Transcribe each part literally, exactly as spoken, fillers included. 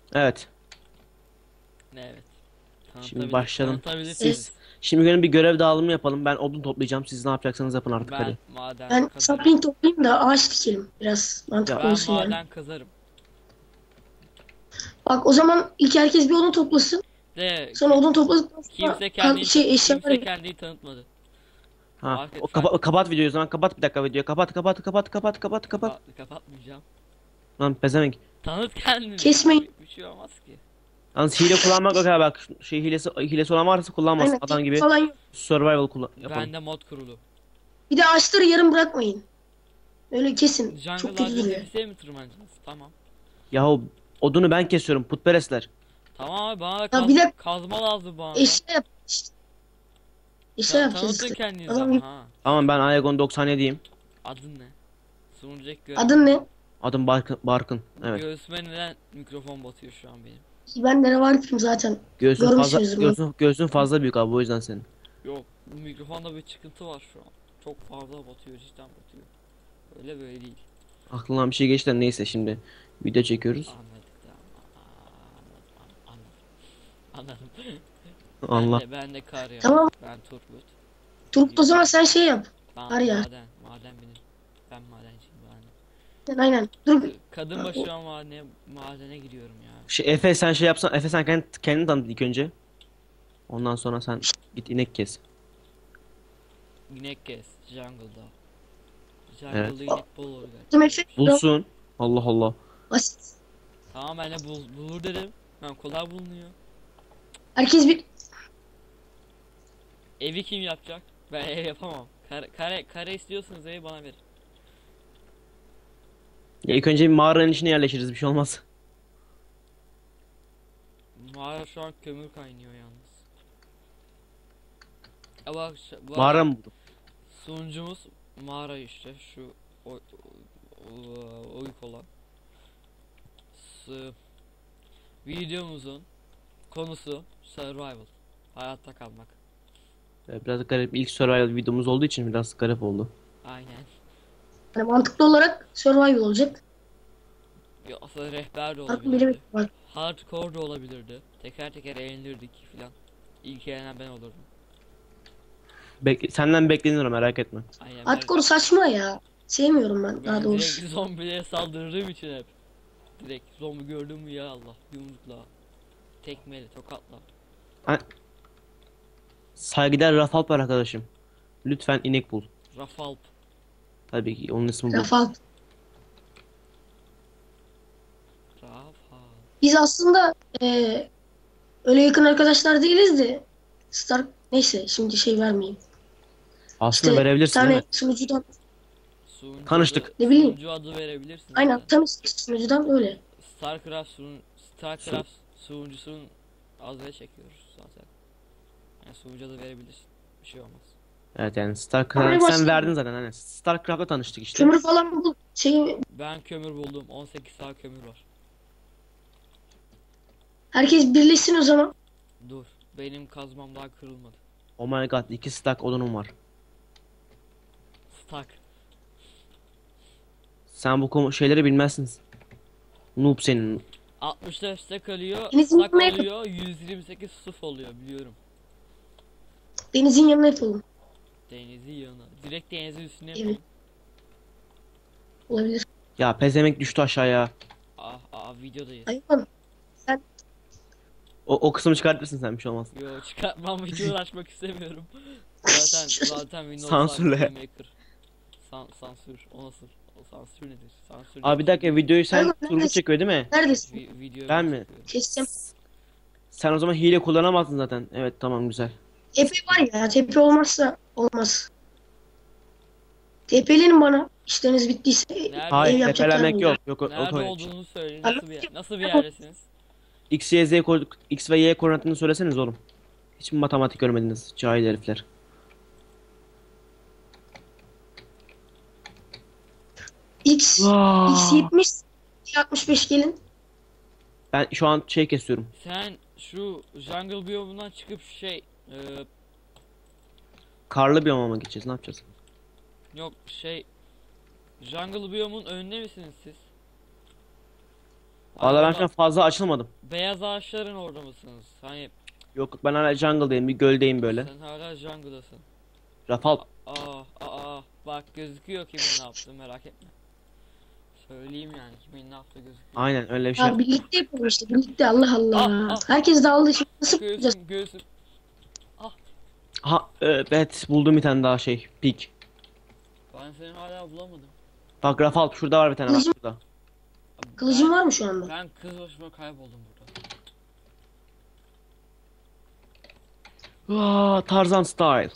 Evet. Ne evet. Şimdi Tanıtabilir, başlayalım. tanıtabilirsiniz. Siz şimdi gelin bir görev dağılımı yapalım. Ben odun toplayacağım. Siz ne yapacaksanız yapın artık Ben hadi. maden Ben kazarım. sapling toplayayım da ağaç dikelim. Biraz mantıklı Ya Ben olsun yani. maden kazarım. Bak o zaman ilk herkes bir odun toplasın. De Sonra odun topladıktan sonra kimse kan- kendini ta- şey eşyalar kimse yap. kendini tanıtmadı. ha Fark et, o fark kapa- kapat videoyu o zaman. Kapat bir dakika videoyu. Kapat kapat kapat kapat kapat kapat. kapat, kapatmayacağım. Lan pezevenk. Tanıt kendini. Kesmeyin. Bir, bir şey olmaz ki. Yalnız hile kullanmak yok ha bak. Şey hilesi hilesi olan varsa kullanmasın. Aynen Adam tek gibi falan yok. survival kullan yapalım. Bende mod kurulu. Bir de ağaçları yarım bırakmayın. Öyle kesin. Çok Jungle kötü ağacının duruyor. tepesine mi tırmanacaksınız? Tamam. Yahu odunu ben kesiyorum putperestler. Tamam abi bana da Ya kaz- bir dakika kazma lazım bana da. eşya yap işte. Eşya Ta- yapacağız tanıtın işte. kendinizi Adam ama gibi. ha. Tamam ben Aegon doksan yediyim. Adın ne? Sunucu ek görev. Adın ne? Adım Barkın. Barkın. Evet. Göğsüme neden mikrofon batıyor şu an benim? Ben de var kim zaten. Göğsün fazla Görmüşsünüzdür bunu. göğsün, göğsün fazla büyük abi o yüzden senin. Yok bu mikrofonda bir çıkıntı var şu an. Çok fazla batıyor, cidden batıyor. Öyle böyle değil. Aklımdan bir şey geçti de neyse şimdi video çekiyoruz. Anladık da. Aa, anladım, anladım. Allah. Ben de, ben de kar ya. Tamam. Ben Turgut. Turgut o zaman sen şey yap. Ben Var ya. maden, maden benim. Ben madenciyim ben. Aynen aynen. Dur. Kadın başı an madene, madene giriyorum ya. Şey, Efe sen şey yapsan Efe sen kendini, kendini tanıt ilk önce. Ondan sonra sen git inek kes. İnek kes, jungle'da. Evet. Jungle'da inek bol olur Dur gerçekten. Efe. Bulsun. Allah Allah. Basit. Tamam ben de bul, bulur dedim. Ben kolay bulunuyor. Herkes bir Evi kim yapacak? Ben ev yapamam. Kare, kare, kare istiyorsanız evi bana verin. Ya ilk önce bir mağaranın içine yerleşiriz bir şey olmaz. Mağara şu an kömür kaynıyor yalnız. Ya bak, şu- bu Mağara arada mı buldum? sunucumuz mağara işte şu o, o, o- oyuk olan. S- videomuzun konusu survival. Hayatta kalmak. Ee, Biraz garip ilk survival videomuz olduğu için biraz garip oldu. Aynen. yani mantıklı olarak survival olacak. Ya aslında rehber de Farklı olabilirdi. biri var. Hardcore da olabilirdi. Teker teker eğlenirdik filan. İlk eğlenen ben olurdum. Bek senden bekleniyor merak etme. Aynen ben, Hardcore saçma ya. Sevmiyorum ben daha ben doğrusu. direkt zombilere saldırdığım için hep. Direkt zombi gördüm mü ya Allah yumrukla. Tekmeyle tokatla. Saygıdeğer Rafalp var arkadaşım. Lütfen inek bul. Rafalp. Tabii ki onun ismi bu. Rafal. Rafal. Biz aslında eee, öyle yakın arkadaşlar değiliz de Stark neyse şimdi şey vermeyeyim. Aslında İşte bir verebilirsin değil tane mi? sunucudan Sunucu Tanıştık. adı, Ne bileyim. sunucu adı verebilirsin aynen zaten. tanıştık sunucudan öyle. Starcraft sun Starcraft sunucusunun adını çekiyoruz zaten. Yani sunucu adı verebilirsin. Bir şey olmaz. Evet yani Öyle StarCraft sen başladı. verdin zaten hani. StarCraft'la tanıştık işte. Kömür falan bul. Şey Ben kömür buldum. on sekiz saat kömür var. herkes birleşsin o zaman. Dur. Benim kazmam daha kırılmadı. Oh my god iki stack odunum var. Stack. Sen bu konu- şeyleri bilmezsin. Noob senin. altmış dört stack alıyor. Denizin Stack yanına yapın. oluyor. yüz yirmi sekiz suf oluyor biliyorum. Denizin yanına yapalım. Denizin yanına. Direkt denizin üstüne Evet. yapalım. Olabilir. Ya pezemek düştü aşağıya. Ah ah videodayız. Hayvan. Sen O, o kısmı çıkartırsın sen bir şey olmaz. Yo çıkartmam hiç uğraşmak istemiyorum. Zaten zaten Windows Sansürle. Live Maker. San, sansür. O nasıl? O sansür nedir? Sansür Abi bir dakika videoyu sen Hayvan, Turgut neredesin? çekiyor değil mi? neredesin? Vi videoyu Ben mi? çekiyorum. Keseceğim. Sen o zaman hile kullanamazsın zaten. Evet tamam güzel. Tepe var ya. Tepe olmazsa olmaz. Tepelenin bana. İşleriniz bittiyse Nerede? ev Hayır yapacak tepelenmek yerim yok. Yok o- Nerede o- olduğunu söyleyin. Anladım. Nasıl bir nasıl bir yerdesiniz? X, Y, Z ko- X ve Y koordinatını söyleseniz oğlum. Hiç mi matematik görmediniz cahil herifler? X X yetmiş altmış beş gelin. Ben şu an şey kesiyorum. Sen şu jungle biyomundan çıkıp şey e, Karlı biyoma mı gideceğiz? Ne yapacağız? yok şey jungle biyomun önünde misiniz siz? Valla ben Ama şu an fazla açılmadım. beyaz ağaçların orada mısınız? Hani Yok ben hala jungle'dayım, bir göldeyim böyle. sen hala jungle'dasın. Rafal. Aa, aa, bak gözüküyor kimin ne yaptığı, merak etme. Söyleyeyim yani kimin ne yaptığı gözüküyor. Aynen öyle bir şey. Ya birlikte yapalım işte. Birlikte Allah Allah. Ah, ah. Herkes dağıldı. Şimdi nasıl yapacağız? Göğsüm, göğsüm. Ha evet, buldum bir tane daha şey. Pik. Ben seni hala bulamadım. Bak Rafal şurada var bir tane, bak Kılıcım- şurada. Kılıcın Ben- var mı şu anda? Ben kız başıma kayboldum burada. Aa, Tarzan style.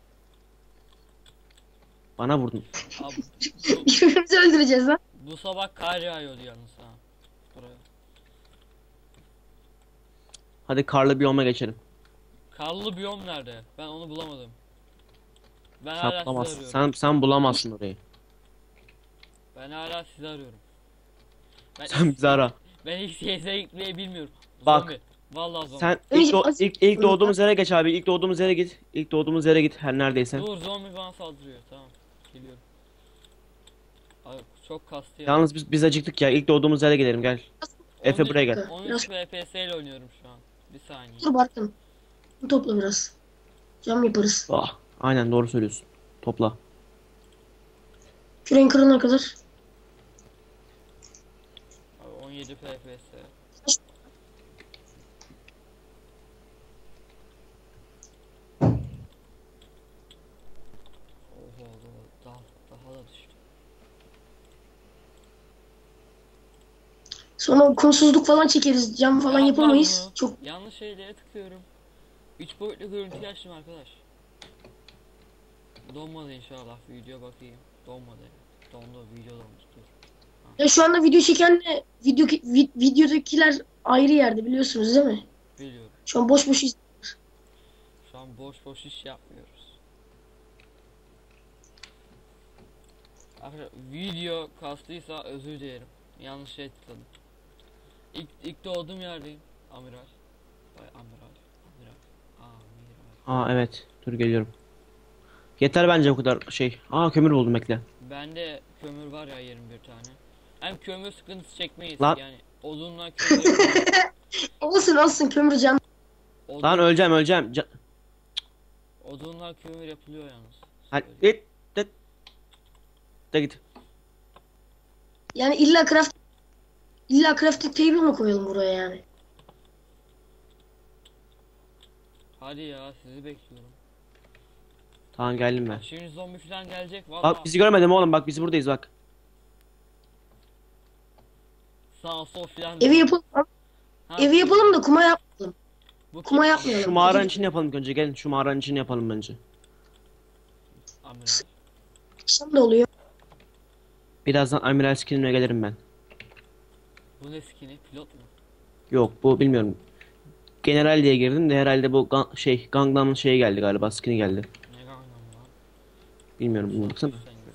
Bana vurdun. Abi, bu, Birbirimizi öldüreceğiz lan. bu sabah kar yağıyordu yalnız ha. Buraya. Hadi karlı biyoma geçelim. Karlı biyom nerede? Ben onu bulamadım. Ben Sen hala sizi bulamazsın. arıyorum. Sen, sen bulamazsın orayı. Ben hala sizi arıyorum. Ben Sen bizi ara. Ben ilk C S'ye gitmeyi bilmiyorum. Bak. Zombi. Vallahi zombi. Sen Önce ilk, do- az- ilk, ilk doğduğumuz yere geç abi. İlk doğduğumuz yere git. İlk doğduğumuz yere git her neredeyse. Dur, zombi bana saldırıyor. Tamam. Geliyorum. Abi çok kastı ya. Yalnız biz biz acıktık ya. İlk doğduğumuz yere gidelim, gel. Efe buraya gel. Biraz on üç F P S ile oynuyorum şu an. Bir saniye. dur Barkın. Topla biraz. Cam yaparız. Ah, aynen doğru söylüyorsun. Topla. Küreğin kırılana kadar. Abi on yedi F P S. Oho, daha, daha da düştü. Sonra kumsuzluk falan çekeriz. Cam falan Ya yapamayız. Allah. Çok Yanlış şeylere tıklıyorum. üç boyutlu görüntü açtım arkadaş. Donmadı inşallah, video bakayım. Donmadı. Dondu, video donmuş. Dur. ya şu anda video çekenle video vi- videodakiler ayrı yerde biliyorsunuz değil mi? Biliyorum. Şu an boş boş iz- Şu an boş boş iş yapmıyoruz. Arkadaşlar video kastıysa özür dilerim. Yanlış şey tıkladım. İlk, ilk doğduğum yerdeyim. Amiral. Bay Amiral. Amiral. Amiral. Aa evet. Dur geliyorum. Yeter bence bu kadar şey. Aa kömür buldum, bekle. Bende kömür var ya, yirmi bir tane. Hem kömür sıkıntısı çekmeyiz Lan. yani. Odunla kömür yapıyoruz. olsun olsun kömür can. Odun, Lan öleceğim öleceğim. Ca- odunla kömür yapılıyor yalnız. Hadi Söyleyeyim. git. Git. De git. Yani illa craft illa crafting table mı koyalım buraya yani? Hadi ya, sizi bekliyorum. Tamam geldim ben. Bak şimdi zombi falan gelecek valla. Bak bizi görmedin mi oğlum, bak biz buradayız bak. Sağ sol falan. Evi yapalım. Ha, Evi yapalım da kuma yapmayalım. Bu Kuma kim? yapmayalım. Şu mağaranın içini yapalım ilk önce, gelin şu mağaranın içini yapalım bence. Amiral. Akşam da oluyor. Birazdan Amiral skinine gelirim ben. Bu ne skini? Pilot mu? Yok bu bilmiyorum. General diye girdim de herhalde bu Ga- şey Gangnam'ın şeyi geldi galiba, skin'i geldi. Ne Gangnam lan? Bilmiyorum bunu baksana. Sen güzel.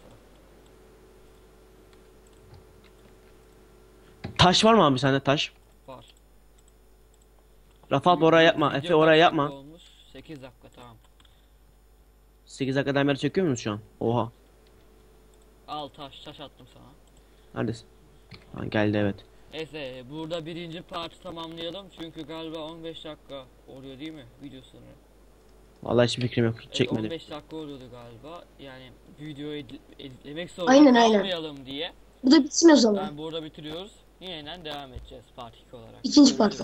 Taş var mı abi sende, taş? Var. Rafal oraya yapma. Video Efe kaç oraya dakika yapma. Olmuş? sekiz dakika, tamam. sekiz dakikadan beri çekiyor musun şu an? Oha. Al taş, taş attım sana. Neredesin? Ha, geldi evet. Neyse, burada birinci partı tamamlayalım çünkü galiba on beş dakika oluyor değil mi video sınırı? Vallahi hiçbir fikrim yok. Hiç Evet, çekmedim. on beş dakika oluyordu galiba. Yani videoyu edit- editlemek zorunda Aynen, aynen. kalmayalım diye. Bu da bitsin o zaman. Yani burada bitiriyoruz. Yeniden devam edeceğiz part iki olarak. İkinci Görüşürüz. partta.